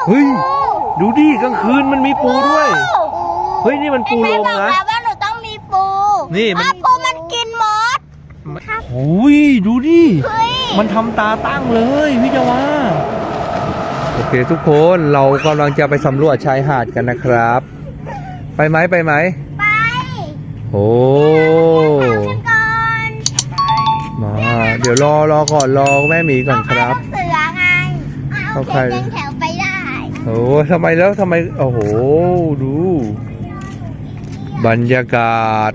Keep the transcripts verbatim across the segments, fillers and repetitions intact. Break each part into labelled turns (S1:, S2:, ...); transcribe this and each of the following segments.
S1: เฮ้ยดูดิกลางคืนมันมีปูด้วยเฮ้ยนี่มันปูลมนะ
S2: ว่าหนูต้องมีปู
S1: นี่มัน
S2: ปูมันกินมด
S1: โอ้ยดูดิมันทำตาตั้งเลยพี่จาวาโอเคทุกคนเรากำลังจะไปสำรวจชายหาดกันนะครับไปไหมไปไหม
S2: ไป
S1: โอ้มาเดี๋ยวรอรอก่อนรอแม่หมีก่อนครับ
S2: เสือไงเอาใครแถวไปได้
S1: โอ้ทำไมแล้วทำไมโอ้โหดูบรรยากาศ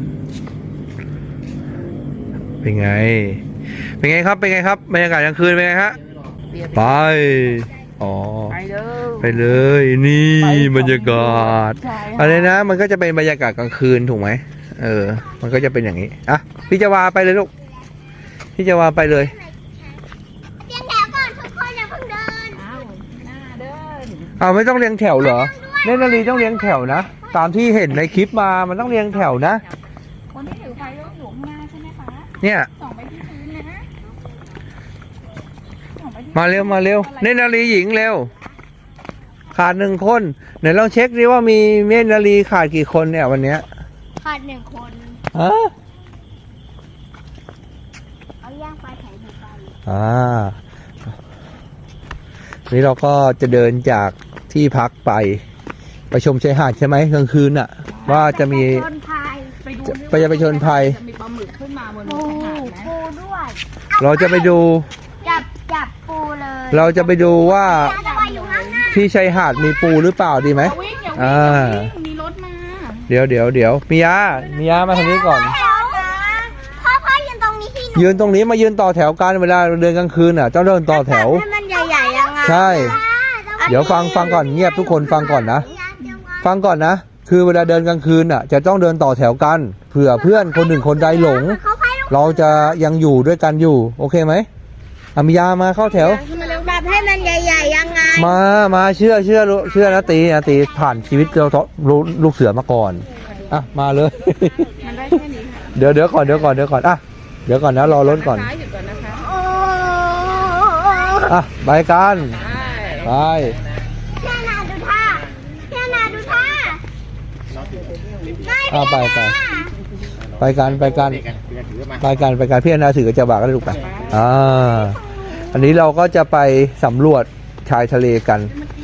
S1: เป็นไงเป็นไงครับเป็นไงครับบรรยากาศกลางคืนเป็นไงฮะไปอ๋อไปเลยนี่บรรยากาศอะไรนะมันก็จะเป็นบรรยากาศกลางคืนถูกไหมเออมันก็จะเป็นอย่างนี้อ่ะพี่จาวาไปเลยลูกพี่จาวาไปเลย
S2: เรียงแถวก่อนทุกคนอย่าเพิ่งเดินอ้าวหน้าเดิน
S1: อ้าวไม่ต้องเรียงแถวเหรอเนตรนารีต้องเรียงแถวนะตามที่เห็นในคลิปมามันต้องเรียงแถวนะ
S2: คนที่ถือไฟต้องอยู่ข้างหน้าใช่ไหมคะ
S1: เนี่ย
S2: ส่องไปที่พื้นนะ
S1: มาเร็วมาเร็วเนตรนารีหญิงเร็วขาดหนึ่งคนไหนลองเช็คดิว่ามีเนตรนารีขาดกี่คนเนี่ยวันนี้
S2: ขาดหนึ่งคน
S1: ฮะ
S2: เอาย่างปลาแถวไป
S1: อ่านี่เราก็จะเดินจากที่พักไปไปชมชายหาดใช่ไหมกลางคืนน่ะว่าจะมีไปจะไปชนภัย
S2: มีปลาหมึกขึ้นมาบนชายหาดนะปูด้วย
S1: เราจะไปดู
S2: จับจับปูเลย
S1: เราจะไปดูว่าที่ชายหาดมีปูหรือเปล่าดีไหมอ่า
S2: มีรถมา
S1: เดี๋ยวเดี๋ยวเดี๋ยวมียามียามาทางนี้ก่อน
S2: พ่อพ่อยืนตรงนี้ที่
S1: ยืนตรงนี้มายืนต่อแถวกันเวลาเดินกลางคืนอ่ะเจ้าเดินต่อแถว
S2: ให้มันใหญ่ๆยังไง
S1: ใช่เดี๋ยวฟังฟังก่อนเงียบทุกคนฟังก่อนนะฟังก่อนนะคือเวลาเดินกลางคืนอ่ะจะต้องเดินต่อแถวกันเผื่อเพื่อนคนหนึ่งคนใดหลงเราจะยังอยู่ด้วยกันอยู่โอเคไหมอามิยามาเข้าแถว
S2: แบบให้มันใหญ่ๆยังไง
S1: มามาเชื่อเชื่อเชื่อนะตีนะตีผ่านชีวิตเราลูกเสือมาก่อนอ่ะมาเลยเดี๋ยวเดี๋ยวก่อนเดี๋ยวก่อนเดี๋ยวก่อนอ่ะเดี๋ยวก่อนนะรอรถก่อนอ่ะไปกันไป
S2: เพี่ยนาดูท่าเพี่ยนาดูท่า
S1: อ่ะไปไปไปกันไปกันไปกันไปกันพี่อนาถือกระจาบาก็ได้ลูกไปอ่าอันนี้เราก็จะไปสำรวจชายทะเลกัน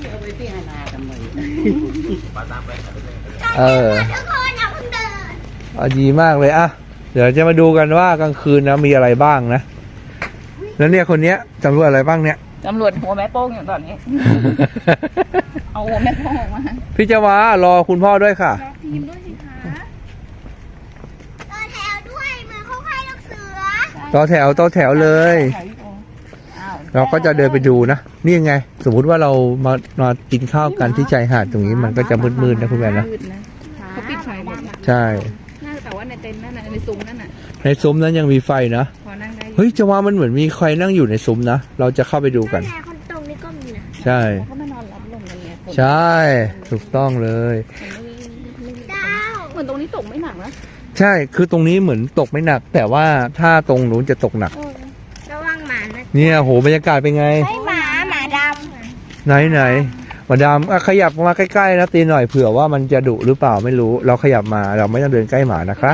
S1: เออเอาดีมากเลยอ่ะเดี๋ยวจะมาดูกันว่ากลางคืนนะมีอะไรบ้างนะแล้วเนี่ยคนเนี้ยสำรวจอะไรบ้างเนี่ย
S3: ตำรวจหัวแม่โป้งอย่างตอนนี้ เอาหัวแม่โป้งออกมา
S1: พี่จาวารอคุณพ่อด้วยค่ะ
S2: ทีมด้วยสิคะต่อแถวด้วยเหมือนเขาให้ลูกเสือ
S1: ต่อแถวต่อแถวเลยเราก็จะเดินไปดูนะนี่ยังไงสมมุติว่าเรามามากินข้าวกันที่ชายหาดตรงนี้มันก็จะมืดๆนะคุณแม่นะ
S3: เขาปิดไฟหมด
S1: ใช่
S3: แต่ว่าในเต็นท์นั่นน่ะในซุ้มนั่นน่ะ
S1: ในซุ้มนั้นยังมีไฟนะเฮ้ยจะว่ามันเหมือนมีใครนั่งอยู่ในซุ้มนะเราจะเข้าไปดูกัน
S2: ตรงนี้ก็มีนะ
S1: ใช่ใช่ถูกต้องเลย
S3: เหมือนตรงนี้ตกไม่หนักนะ
S1: ใช่คือตรงนี้เหมือนตกไม่หนักแต่ว่าถ้าตรงนู้นจะตกหนัก
S2: ระวังหมา
S1: เนี่ยโหบรรยากาศเป็นไง
S2: หมาหมาดำ
S1: ไหนไหนหมาดำขยับมาใกล้ๆนะตีหน่อยเผื่อว่ามันจะดุหรือเปล่าไม่รู้เราขยับมาเราไม่ต้องเดินใกล้หมานะคะ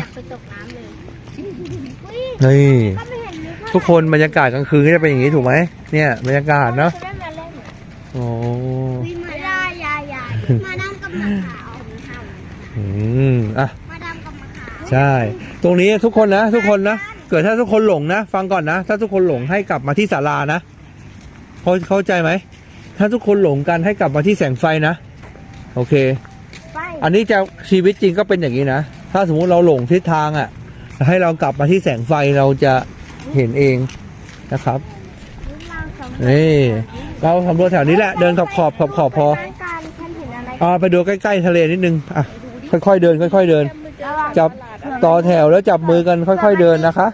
S1: นี่ทุกคนบรรยากาศกลางคืนก็จะเป็นอย่างนี้ถูกไหมเนี่ยบรรยากาศเนาะโอ้
S2: มาได้ยายามาดำกับมะขาว
S1: อืมอ่ะ
S2: มาดำกับมะขาว
S1: ใช่ตรงนี้ทุกคนนะทุกคนนะเกิดถ้าทุกคนหลงนะฟังก่อนนะถ้าทุกคนหลงให้กลับมาที่ศาลานะเข้าเข้าใจไหมถ้าทุกคนหลงกันให้กลับมาที่แสงไฟนะโอเคอันนี้จะชีวิตจริงก็เป็นอย่างนี้นะถ้าสมมุติเราหลงทิศทางอ่ะให้เรากลับมาที่แสงไฟเราจะเห็นเองนะครับนี่เราสำรวจแถวนี้แหละเดินขอบขอบขอบขอบพออ่าไปดูใกล้ๆทะเลนิดนึงอ่ะค่อยๆเดินค่อยๆเดินจับต่อแถวแล้วจับมือกันค่อยๆเดินนะคะ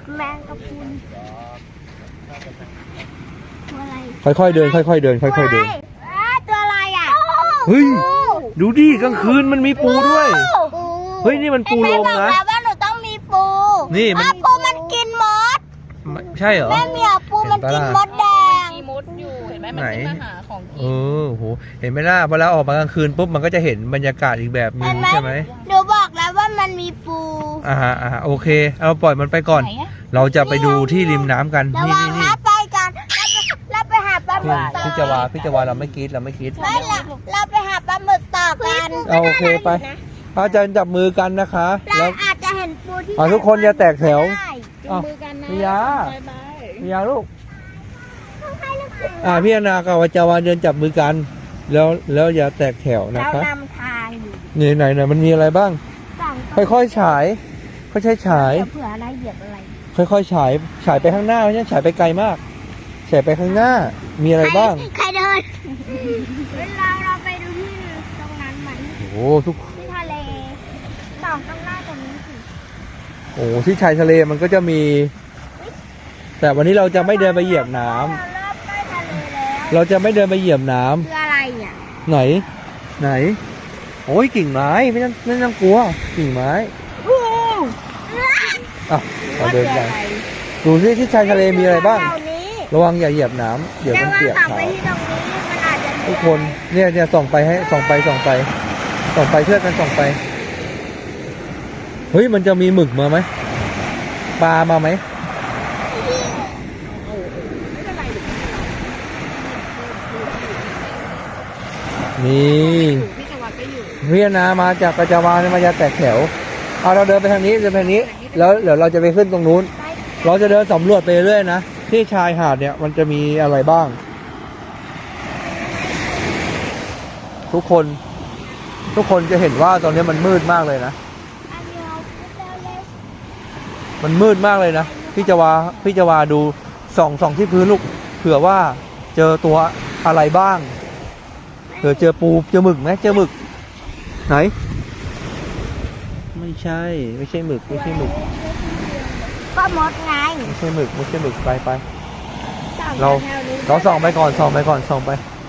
S1: ค่อยๆเดินค่อยๆเดินค่อยๆเดิน
S2: ตัวอะไรอ่ะ
S1: เฮ้ยดูดิกลางคืนมันมีปูด้วยเฮ้ยนี่มันปูลมนะ
S2: ว่าหนูต้องมีปู
S1: นี่มัน
S2: ปูมันกินมด
S1: ใช่เหรอ
S2: แม่เมียปูมันกินมดแดง
S3: มีมดอยู่เห็นไหมมัน
S1: ไหน
S3: ขึ้นมาหาของ
S1: เอ
S3: กิน
S1: อโหเห็นไหมล่ะพอเราออกมากลางคืนปุ๊บมันก็จะเห็นบรรยากาศอีกแบบหนึ
S2: เห็
S1: ง
S2: นไหม
S1: ใช่ไหม
S2: หนูบอกแล้วว่ามันมีปู
S1: อ่าฮะอ่าฮะโอเคเอาปล่อยมันไปก่อน
S3: ไหนอะ
S1: เราจะไปดูที่ริมน้ำกัน
S2: ระ
S1: นี่
S2: วัง
S1: นี่นี่
S2: นะไปกันเราไปหาปลาหมึ
S1: พี่
S2: กต่อ
S1: พี่จาวาพี่จาวาเราไม่คิดเราไม่คิด
S2: ไม่เราเราไปหาปลาหมึกต่อกัน
S1: เอาโอเคไปอาจารย์จับมือกันนะคะ
S2: เรา
S1: แล้ว
S2: อาจจะเห็นปูที่
S1: อ่ะทุกคนอย่าแตกแถว
S2: ได้
S3: จับมือกันนะ
S1: มียา
S3: บายบาย
S1: มียาลูก
S2: เขาให้ลูกเสือ
S1: อ่าพี่อนากับอาจารย์เดินจับมือกัน แล้วแล้วอย่าแตกแถวนะ
S2: เรา
S1: คะ
S2: นำทางอยู่
S1: นี่ไหนไหนมันมีอะไรบ้าง
S2: สองตัว
S1: ค่อยๆฉายค่อยๆฉาย
S2: เดี๋ยวเผื่ออะไรเหยียบอะไร
S1: ค่อยๆฉายฉายไปข้างหน้าไม่ใช่ฉายไปไกลมากฉายไปข้างหน้ามีอะไรบ้าง
S2: ใครเดินเวลาเราไปดูที่ตรงนั้นมัน
S1: โอ้ทุก
S2: ที่ทะเลสองตรงหน้าตรงนี้สิ
S1: โอ้ที่ชายทะเลมันก็จะมี แต่วันนี้เราจะไม่เดินไปเหยียบน้ำ
S2: เราเริ่มใกล้ทะเลแล้ว
S1: เราจะไม่เดินไปเหยียบน้ำ
S2: คืออะไรอ่ะ
S1: ไหน ไหน โอ้ยกิ่งไม้ไม่ต้องไม่ต้องกลัว กิ่งไม้
S2: โอ้
S1: อ่ะเราเดินไป
S2: ว่าคืออะไร
S1: ดูซิที่ชายทะเลมีอะไรบ้าง
S2: เหล่นี้
S1: ระวังอย่าเหยียบน้ำเดี๋ยว
S2: แต่
S1: มัน
S2: ว่า
S1: เปียก
S2: ขับ
S1: ขา
S2: ไปที่ตรงนี้มันอาจจะมี
S1: ทุกคนเนี่ยเนี่ยส่องไปให้ส่องไปส่องไปส่องไปช่วยกันส่องไปเฮ้ยมันจะมีหมึกมาไหมปลามาไหมนี่
S3: พี่จังหวัดก็อยู่
S1: เวียนามาจากกระจาวาเนี่ยมายาแตกแถวเอาเราเดินไปทางนี้เดินไปทางนี้ แล้วเดี๋ยวเราจะไปขึ้นตรงนู้น เราจะเดินสำรวจไปเรื่อยนะที่ชายหาดเนี่ยมันจะมีอะไรบ้าง ทุกคน ทุกคนจะเห็นว่าตอนนี้มันมืดมากเลยนะ
S2: อันเดียวเร็ว
S1: มันมืดมากเลยนะพี่จาวาพี่จาวาดูส่องส่องที่พื้นลูกเผื่อว่าเจอตัวอะไรบ้างเผื่อเจอปูเจอหมึกไหมเจอหมึก ไหน ไม่ใช่ ไม่ใช่หมึกไม่ใช่หมึก
S2: ๆก็มดไง
S1: ไม่ใช่หมึกไม่ใช่หมึกไปไป
S2: ส่อง
S1: เรา
S2: แถวนี้
S1: เราส่องไปก่อนส่องไปก่อนส่องไป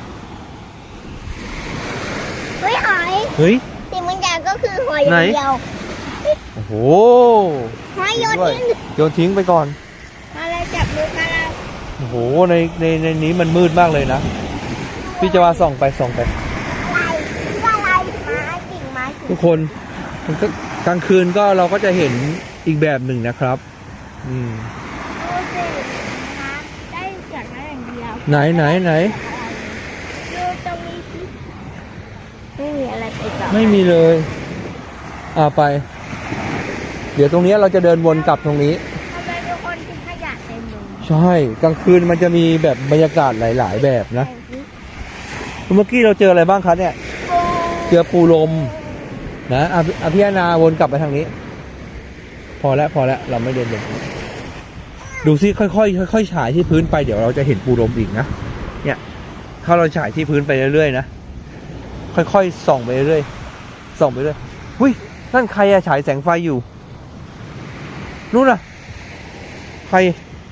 S2: เฮ้ยหอย
S1: เฮ้ย
S2: สิ่งบางอย่างก็คือหอย
S1: ไหน
S2: เดียว
S1: โอ้โห
S2: หอยโยน
S1: ด้วย
S2: ทิ้ง
S1: โยนทิ้งไปก่อน
S2: มาเลยจับมือกันแล้ว
S1: โอ้โหในในในนี้มันมืดมากเลยนะพี่จาวาส่องไปส่องไป
S2: อะไรคืออะไรไม้กิ่งไม้กิ่ง
S1: ทุกคนมันก็กลางคืนก็เราก็จะเห็นอีกแบบหนึ่งนะครับ อืม
S2: ดูสินะได้จากนั้นอย่างเดียว
S1: ไหนไหนไหน
S2: ดูตรงนี้สิไม่มีอะไรไปต่อ
S1: ไม่มีเลย อ่าไป เดี๋ยวตรงนี้เราจะเดินวนกลับตรงนี้
S2: ทำไมทุกคนทิ้งขยะเต็มเลย
S1: ใช่กลางคืนมันจะมีแบบบรรยากาศหลาย ๆ แบบนะ เมื่อกี้เราเจออะไรบ้างครับเนี่ย
S2: โอ้
S1: เจอปูลมนะอ่ะอ่ะพี่อานาวนกลับไปทางนี้ พอแล้วพอแล้วเราไม่เดินเดินดูซิค่อยๆค่อยๆฉายที่พื้นไปเดี๋ยวเราจะเห็นปูลมอีกนะเนี่ยถ้าเราฉายที่พื้นไปเรื่อยๆนะค่อยๆส่องไปเรื่อยๆส่องไปเรื่อยหุ้ยนั่นใครอะฉายแสงไฟอยู่นู่นน่ะใคร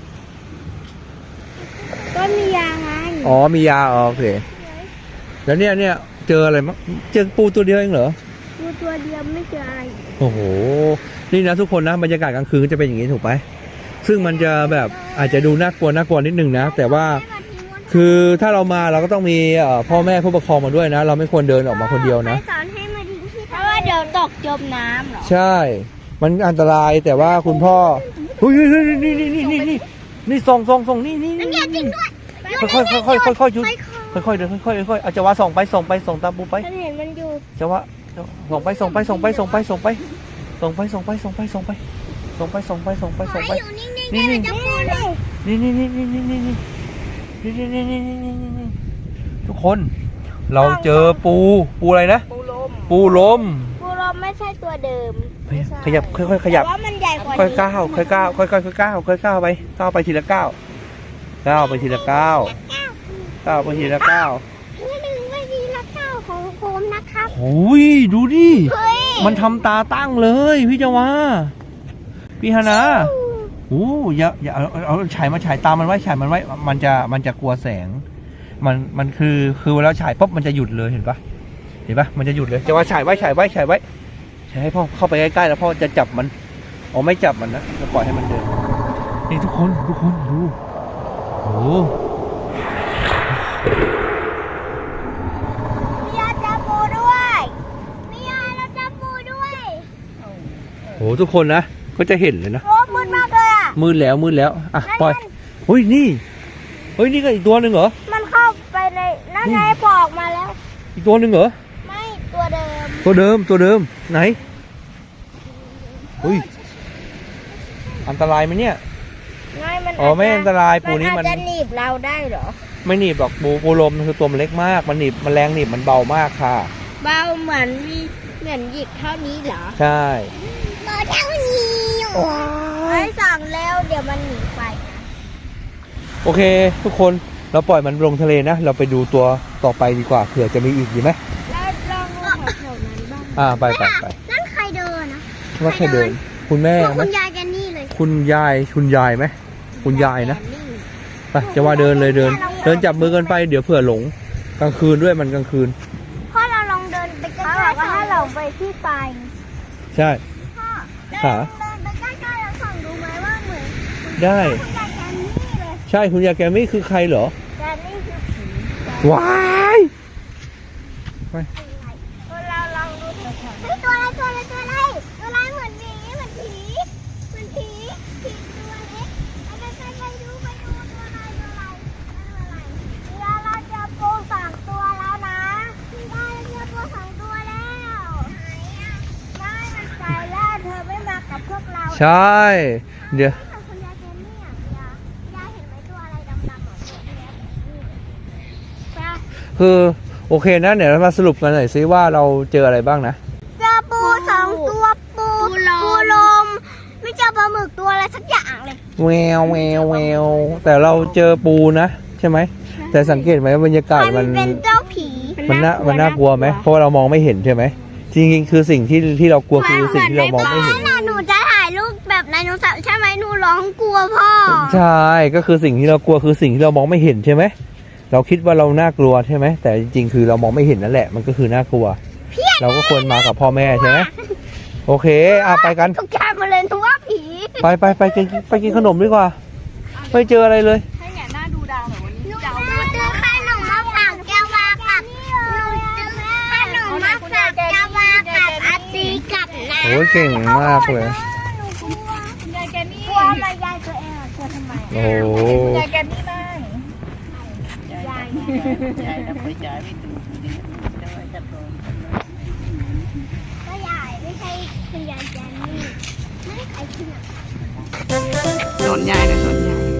S2: ก็มียาไง
S1: อ๋อมียาอ๋อโอเคแล้วเนี่ยเนี่ยเจออะไรมั้งเจอปูตัวเดียวเองเหรอ
S2: ดูตัวเดียวไม่เจออะไร
S1: โอ้โห นี่นะทุกคนนะบรรยากาศกลางคืนก็จะเป็นอย่างนี้ถูกไหมซึ่งมันจะแบบอาจจะดูน่ากลัวน่ากลัวนิดนึงนะ แต่ว่าคือถ้าเรามาเราก็ต้องมีเอ่อพ่อแม่ผู้ปกครองมาด้วยนะ เราไม่ควรเดินออกมาคนเดียวนะ
S2: ใครสอนให้มาทิ้งที่เพราะว่าเดี๋ยวตกจมน้ำเหรอ
S1: ใช่ มันอันตรายแต่ว่าคุณพ่อเฮ้ยเฮ้ยเฮ้ยนี่นี่นี่นี่นี่นี่ส่องส่องส่องนี่นี่
S2: นั่นไงจริงด้วย
S1: ค่อยค่อยค่อยค่อยค่อยๆหยุดค่อยๆเดินค่อยๆค่อยๆอาจจะว่าส่องไปส่องไปส่องตามปูไป
S2: ฉันเห็นมันอยู่
S1: จะว่าส่งไปส่งไปส่งไปส่งไปส่งไปส่งไปส่งไปส่งไปส่งไปส่งไปส่งไปส่งไปส่งไป
S2: อยู่นิ่งๆได้มันจะพูดเลย
S1: นี่นี่นี่นี่นี่นี่นี่นี่นี่นี่นี่นี่นี่นี่ทุกคนเราเจอปูปูอะไรนะ
S3: ปูลม
S1: ปูลม
S2: ปูรอมไม่ใช่ตัวเดิม
S1: ขยับค่อยๆขยับ
S2: แต่ว่ามันใหญ่กว่า
S1: ค่อยก้าวค่อยก้าวค่อยๆค่อยก้าวค่อยก้าวไปก้าวไปทีละก้าวก้าวไปทีละก้าวก้าวไปทีละก้าว
S2: นี่หนึ่งไม่ดีละเก้าของโคมนะครับ
S1: โอ้ยดูดิ
S2: เฮ้ย
S1: มันทำตาตั้งเลยพี่จาวาพี่ฮานาโอ้อย่าอย่าเอาเอาเอาฉายมาฉายตามมันไว้ฉายมันไว้มันจะมันจะกลัวแสง มันมันคือคือเวลาฉายปุ๊บมันจะหยุดเลยเห็นปะเห็นปะมันจะหยุดเลยจะว่าฉายไว้ฉายไว้ฉายไว้ฉายให้พ่อเข้าไปใกล้ๆแล้วพ่อจะจับมันอ๋อไม่จับมันนะจะปล่อยให้มันเดินนี่ทุกคนทุกคนดูโอ้ทุกคนนะก็จะเห็นเลยนะ
S2: โอ้มืดมากเลยอ่ะ
S1: มืดแล้วมืดแล้วอ่ะปล่อยเฮ้ยนี่เฮ้ยนี่ก็อีกตัวหนึ่งเหรอ
S2: มันเข้าไปในนั่นไงปอกมาแล้ว
S1: อีกตัวหนึ่งเหรอ
S2: ไม่ตัวเดิม
S1: ตัวเดิมตัวเดิมไหนอุ้ยอันตรายไหมเนี่ย
S2: ไม่มัน
S1: อ๋อไม่อันตรายปูนี้
S2: มั
S1: มัน
S2: นอาจจะหนีบเราได้เหรอ
S1: ไม่หนีบหรอกปูปูลมมันคือตัวมันเล็กมากมันหนีบมันแรงหนีบมันเบามากค่ะ
S2: เบาเหมือนมีเหมือนหยิกเท่านี้เหรอ
S1: ใช่
S2: เบาเท่านี้ไอ้สั่งแล้วเดี๋ยวมันหนีไปนะ
S1: โอเค ทุกคนเราปล่อยมันลงทะเลนะ เราไปดูตัวต่อไปดีกว่าเผื่อจะมีอีกดีไหม
S2: แล้วลองดูแถวๆนั้นบ้าง
S1: อ่าไปไปไป
S2: นั่นใครเดินนะ
S1: ว่าแค่เดิน คุณแม่
S2: พวก
S1: ไหม
S2: คุณยายแกนี่เลย
S1: คุณยายคุณยายไหมคุณยายนะไปจะว่าเดินเลยเดิน เดินจับมือกันไปเดี๋ยวเผื่อหลงกลางคืนด้วยมันกลางคืน
S2: พ่อเราลองเดินไปใกล้ๆว่าถ้าเราไปที่ปลาย
S1: ใช่
S2: พ่อเดิน
S1: ขา
S2: เดินไปใกล้ๆแล้วส่องดูไหมว่าเหมือน
S1: ได้
S2: คุณยายแกนี่เลย
S1: ใช่คุณยายแกไม่คือใครเหรอ
S2: แกนี่คือผี
S1: ว้ายไป
S2: เราลองดูเถอะเฮ้ยตัวอะไรตัวอะไรตัวอะไรตัวอะไรเหมือนหมีเหมือนผีเหมือนผีผีตัวเล็กไปไปไปดูไปดูตัวอะไรตัวอะไรตัวอะไรเดี๋ยวเราเจอปูสองตัวแล้วนะได้เจอปูสองตัวแล้วไหนอ่ะไม่มันไปแล้วเธอไม่มากับพวกเรา
S1: ใช่เดี๋ยว
S2: คุณยายเจนนี่อ่ะยายยายเห็นไหมตัวอะไรดำๆอ่ะตัวนี้ไป
S1: คือโอเคนะเดี๋ยวเรามาสรุปกันหน่อยซิว่าเราเจออะไรบ้างนะ
S2: เจอปูสองตัวปูปูลมไม่เจอปลาหมึกตัวอะไรสักอย่างเลย
S1: แววแววแววแต่เราเจอปูนะใช่ไหมแต่สังเกตไหมว่าบรรยากาศ
S2: มั
S1: มัน
S2: นเป็นเจ้าผี
S1: มันน่ามันน่ากลัวไหมเพราะว่าเรามองไม่เห็นใช่ไหมจริงๆคือสิ่งที่ที่เรากลัวคือสิ่งที่เรามองไม่เห็น
S2: หนูจะถ่ายรูปแบบไดโนเสาร์ใช่ไหมหนูร้องกลัวพ่อ
S1: ใช่ก็คือสิ่งที่เรากลัวคือสิ่งที่เรามองไม่เห็นใช่ไหมเราคิดว่าเราน่ากลัวใช่ไหมแต่จริงๆคือเรามองไม่เห็นนั่นแหละมันก็คือน่ากลัว เราก็ควรมากับพ่อแม่ใช่ไหมโอเคอ่ะไปกัน
S2: ทุกชายมาเลยทุกว่าผี
S1: ไปไปไปกินไปกินขนมดีกว่าไม่เจออะไรเลย
S3: ให้แง่หน้าดูดาวหน่อยวันนี้
S2: หนู
S3: ดาว
S2: ซื้อขนมมาฝากแกวากับหนูซื้อขนมมาฝากแกวากับอาตีกับน้า
S1: โอ้ยเก่งมากเลย
S2: หนูกลัว
S3: คุณยายแกนี่
S2: กลัวมายายตัวเองอะกลัวทำไม
S1: โอ้
S3: คุณยายแกนี่บ้าง
S2: ยาย
S4: ยายจะไปจ่ายไม่ถูกจะว่าจะโดน
S2: ก็ยายไม่ใช่คุณยายแจนนี่ไม่ใครที่ไหน
S4: โดนยายนะโดนยาย